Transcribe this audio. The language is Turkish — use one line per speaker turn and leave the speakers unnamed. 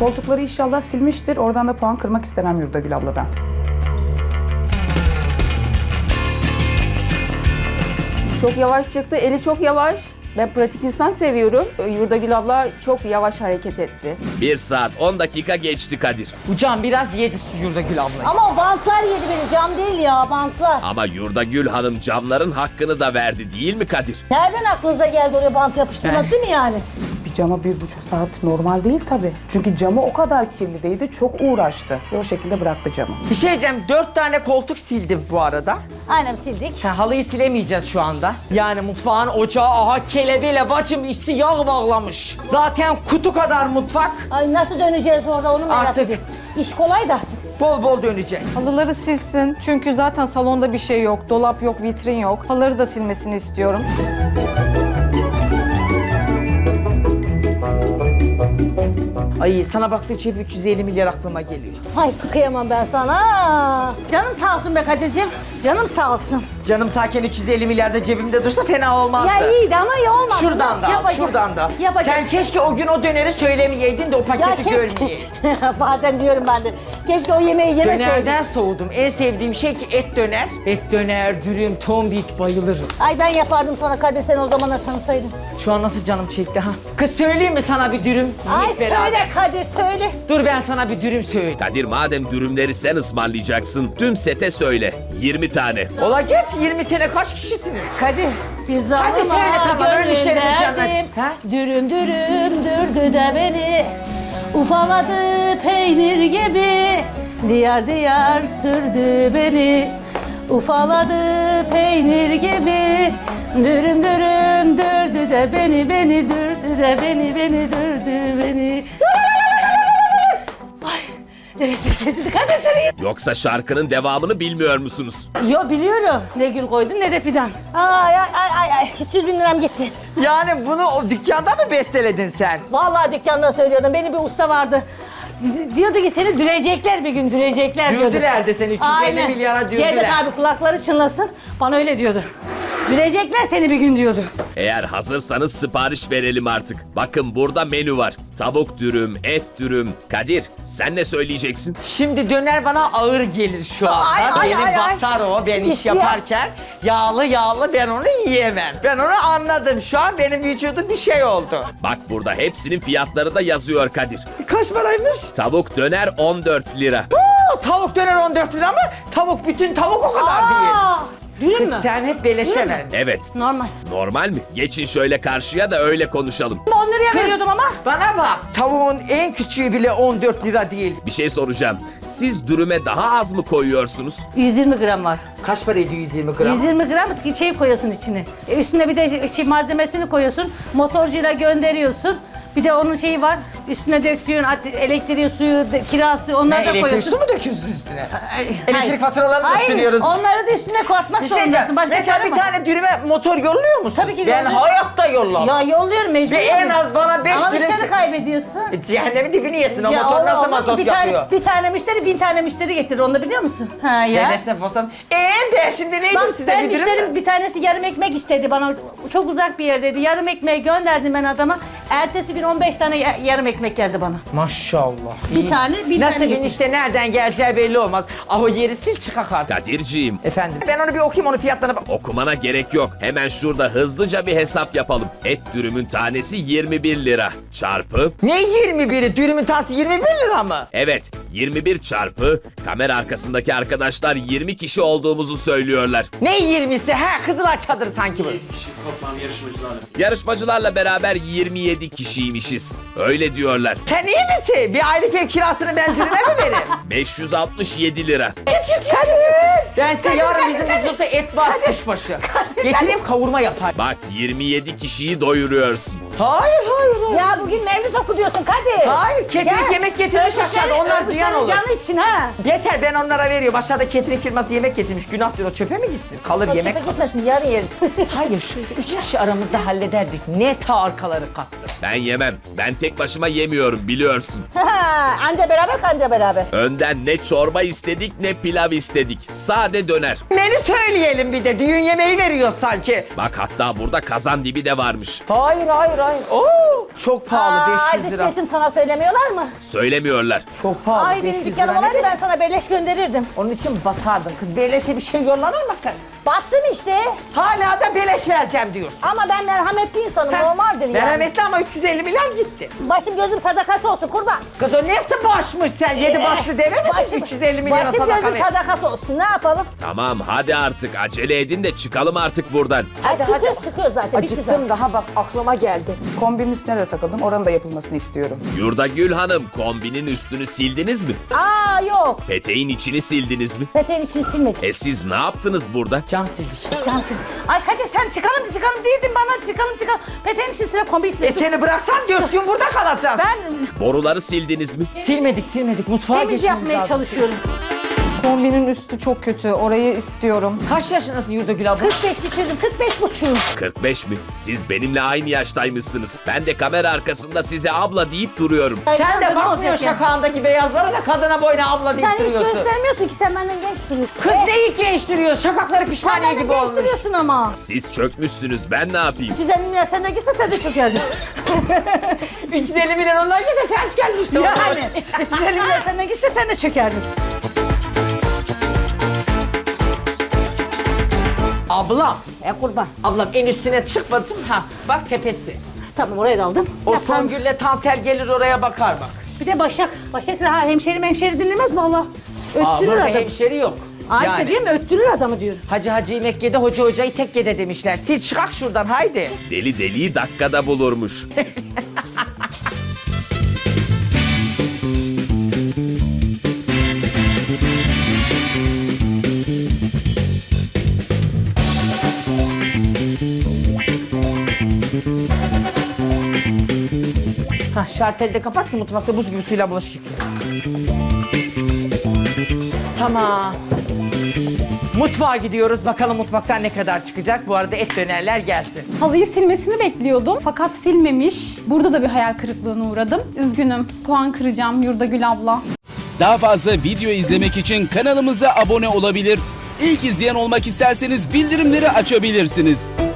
Koltukları inşallah silmiştir. Oradan da puan kırmak istemem Yurdagül abladan.
Çok yavaş çıktı, eli çok yavaş. Ben pratik insan seviyorum. Yurdagül abla çok yavaş hareket etti.
1 saat 10 dakika geçti Kadir.
Bu cam biraz yedi Yurdagül ablayı.
Ama o bantlar yedi beni, cam değil ya, bantlar.
Ama Yurdagül Hanım camların hakkını da verdi değil mi Kadir?
Nereden aklınıza geldi oraya bant yapıştırmak, değil mi yani?
Bir cama 1,5 saat normal değil tabii. Çünkü camı o kadar kirli değildi. Çok uğraştı. Ve o şekilde bıraktı camı.
Bir şey diyeceğim, 4 tane koltuk sildim bu arada.
Aynen sildik.
Halıyı silemeyeceğiz şu anda. Yani mutfağın ocağı, aha kelebeyle bacım üstü yağ bağlamış. Zaten kutu kadar mutfak.
Ay nasıl döneceğiz orada onu merak
Artık.
ediyorum. İş kolay da.
Bol bol döneceğiz.
Halıları silsin çünkü zaten salonda bir şey yok, dolap yok, vitrin yok. Halıları da silmesini istiyorum.
Ay sana baktıkça hep 350 milyar aklıma geliyor.
Ay kıyamam ben sana. Canım sağ olsun be Kadir'cim. Canım sağ olsun.
Canım sakin 350 milyar da cebimde dursa fena olmazdı.
Ya iyiydi ama iyi olmadı.
Şuradan da al,
Yapacak-
şuradan da.
Yapacak.
Sen keşke o gün o döneri söylemeyeydin de o
Ya
paketi
keşke.
görmeyeydin.
Bazen diyorum ben de. Keşke o yemeği yemeseydim.
Dönerden soğudum. En sevdiğim şey ki et döner. Et döner, dürüm, tombik bayılırım.
Ay ben yapardım sana Kadir, sen o zamanlar tanısaydın.
Şu an nasıl canım çekti ha? Kız söyleyeyim mi sana bir dürüm?
Ay
Yiyip beraber.
söyle Kadir söyle.
Dur ben sana bir dürüm söyleyeyim.
Kadir madem dürümleri sen ısmarlayacaksın tüm sete söyle. 20 tane.
Ola git 20 tane kaç kişisiniz?
Kadir bir zaman
Hadi söyle tamam, ölmüşlerim cennet. Ha?
Dürüm dürüm dürdü de beni. Ufaladı peynir gibi. Diyar diyar sürdü beni. Ufaladı peynir gibi. Dürüm dürüm dürdü de beni, beni dürdü de beni dürdü beni. Ay, nefesim kesildi. Kadir seni.
Yoksa şarkının devamını bilmiyor musunuz?
Yo biliyorum. Ne gül koydun ne de fidan. Ay ay ay ay 300 bin liram gitti.
Yani bunu o dükkanda mı besteledin sen?
Vallahi dükkanda söylüyordum. Benim bir usta vardı. Diyordu ki seni dürecekler bir gün, dürecekler diyordu.
Dürdüler de seni 350 milyara dürdüler.
Cevdet abi kulakları çınlasın. Bana öyle diyordu. Dürecekler seni bir gün diyordu.
Eğer hazırsanız sipariş verelim artık. Bakın burada menü var. Tavuk dürüm, et dürüm. Kadir sen ne söyleyeceksin?
Şimdi döner bana ağır gelir şu anda.
Ay, ay,
Beni
ay, ay.
basar o ben iş
Ya.
yaparken. Yağlı yağlı ben onu yiyemem. Ben onu anladım. Şu an benim vücudum bir şey oldu.
Bak burada hepsinin fiyatları da yazıyor Kadir.
Kaç paraymış?
Tavuk döner 14 lira.
Oo, tavuk döner 14 lira mı? Tavuk bütün tavuk o kadar değil.
Aa, dürüm
Kız
mü?
sen hep beleşe ver.
Evet.
Normal.
Normal mi? Geçin şöyle karşıya da öyle konuşalım.
10 liraya veriyordum ama.
Bana bak. Tavuğun en küçüğü bile 14 lira değil.
Bir şey soracağım. Siz dürüme daha az mı koyuyorsunuz?
120 gram var.
Kaç para ediyor 120 gram?
120 gram şey koyuyorsun içine. Üstüne bir de malzemesini koyuyorsun. Motorcuyla gönderiyorsun. Bir de onun şeyi var. Üstüne döktüğün elektriği, suyu, kirası onları da
Elektrik
koyuyorsun.
su mu döküyorsun üstüne?
Hayır.
Elektrik faturalarını da
Hayır,
siliyoruz.
onları da üstüne katmak
Bir şey diyeceğim.
zorundasın. Başka
Mesela
çare
bir
mi?
tane dürüme motor yolluyor musun?
Tabii ki
Ben
yolluyorum.
hayatta yollamam.
Ya yolluyorum mecbur.
Ve en az bana 5
Ama
lira...
müşteri kaybediyorsun.
Cehennemin dibini yesin. O
Ya
motor nasıl
olmaz.
mazot
bir
yapıyor?
bir tane müşteri 1000 tane müşteri getirir, onu da biliyor musun? Ha ya.
Ben esnaf olsam... Ben şimdi neydim
Bak
size
ben
bir dürüm
müşterim
mü?
bir tanesi yarım ekmek istedi bana, çok uzak bir yerdeydi. Yarım ekmeği gönderdim ben adama. Ertesi gün 15 tane yarım ekmek geldi bana.
Maşallah.
Bir tane, bir
Nasıl
tane
bin
getir.
işte nereden geleceği belli olmaz. Ah o yeri sil çıkak artık.
Kadirciğim,
Efendim. Ben onu bir okuyayım, onun fiyatlarına bak.
okumana gerek yok. Hemen şurada hızlıca bir hesap yapalım. Et dürümün tanesi 21 lira. Çarpı,
Ne 21'i? Dürümün tanesi 21 lira mı?
evet 21 çarpı, kamera arkasındaki arkadaşlar 20 kişi olduğumuzu söylüyorlar.
Ne 20'si? Ha Kızılay çadırı sanki bu.
Yarışmacılarla beraber 27 kişiymişiz. Öyle diyorlar.
Sen iyi misin? Bir aylık ev kirasını ben dürüme mi vereyim?
567 lira.
Ben size yarın bizim buzlukta et var kuşbaşı. Getireyim kavurma yapar.
Bak 27 kişiyi doyuruyorsun.
Hayır hayır.
Ya bugün mevlüt oku diyorsun Kadir.
Hayır, ketrik yemek getirmiş aşağıda, onlar ziyan olur.
Canı için ha.
Yeter ben onlara veriyorum. Aşağıda catering firması yemek getirmiş. Günah diyor o çöpe mi gitsin? Kalır
O
yemek
çöpe
kalır.
gitmesin, yarın yeriz.
Hayır şöyle 3 kişi aramızda hallederdik. Ne ta arkaları kattı.
Ben yemem. Ben tek başıma yemiyorum biliyorsun.
Anca beraber kanca beraber.
Önden ne çorba istedik ne pilav istedik. Sade döner.
Menü söyleyelim bir de. Düğün yemeği veriyor sanki.
Bak hatta burada kazan dibi de varmış.
Hayır. Oo, çok pahalı 500 lira.
Sesim sana söylemiyorlar mı?
Söylemiyorlar.
Çok pahalı
Ay benim
500 lira.
dükkanım
Ne
olaydı
demek?
ben sana beleş gönderirdim.
Onun için batardın kız. Beleşe bir şey yollanır mı kız?
Battım işte.
Hala da beleş vereceğim diyorsun.
Ama ben merhametli insanım,
Heh,
normaldir yani.
merhametli ama 350 milyar gitti.
Başım gözüm sadakası olsun kurban.
Kız o neyse başmış sen? 7 başlı deve misin? 350 milyara
başım
sadaka
gözüm
ver.
sadakası olsun, ne yapalım?
Tamam hadi artık acele edin de çıkalım artık buradan.
Çıkıyor zaten. bitti zaten.
Acıktım daha bak aklıma geldi.
Kombinin üstüne de takıldım. Oranın da yapılmasını istiyorum.
Yurdagül Hanım kombinin üstünü sildiniz mi?
Aa yok.
Peteğin içini sildiniz mi?
Peteğin içini silmedim.
Siz ne yaptınız burada?
Cam sildik.
Can sil. Ay Kadir sen çıkalım dedin bana çıkalım. Peteğin içine kombi
E seni bıraksam 4 gün burada kalacağız.
Ben
Boruları sildiniz mi?
Silmedik. Mutfağa
temiz
geçmemiz
yapmaya
lazım.
çalışıyorum.
Kombinin üstü çok kötü. Orayı istiyorum.
Kaç yaşındasın Yurdagül abla?
45 bitirdim, 45 buçuğum.
45 mi? Siz benimle aynı yaştaymışsınız. Ben de kamera arkasında size abla deyip duruyorum.
Sen de bakmıyor şakağındaki beyazlara da kadına boyuna abla deyip
Sen hiç
duruyorsun.
göstermiyorsun ki, sen benden genç duruyorsun.
Kız neyi gençtiriyor? Şakakları pişmaniye
Benden
gibi
genç
olmuş.
duruyorsun ama.
Siz çökmüşsünüz ben ne yapayım?
350 milyar senden gitse sen de çökerdin.
350 milyon ondan gitse felç gelmişti.
Yani 350 milyar senden gitse sen de çökerdin.
Ablam.
Kurban.
Ablam en üstüne çıkmadım. Ha bak tepesi.
Tamam, oraya da aldım.
O Songül'le Tansel gelir oraya bakar bak.
Bir de Başak ha, hemşeri dinlemez valla.
Aa,
Öttürür
burada
adamı.
hemşeri yok.
Aa işte diyorum ya, öttürür adamı diyor.
Hacı Mekke'de hoca hocayı tekkede demişler. Sil çıkak şuradan haydi.
Deli deliyi dakikada bulurmuş.
Ha şarteli de kapat ki mutfakta buz gibi suyla bulaşık yıkıyor. Tamam. Mutfağa gidiyoruz. Bakalım mutfaktan ne kadar çıkacak. Bu arada et dönerler gelsin.
Halıyı silmesini bekliyordum fakat silmemiş. Burada da bir hayal kırıklığına uğradım. Üzgünüm. Puan kıracağım Yurdagül abla.
Daha fazla video izlemek için kanalımıza abone olabilir. İlk izleyen olmak isterseniz bildirimleri açabilirsiniz.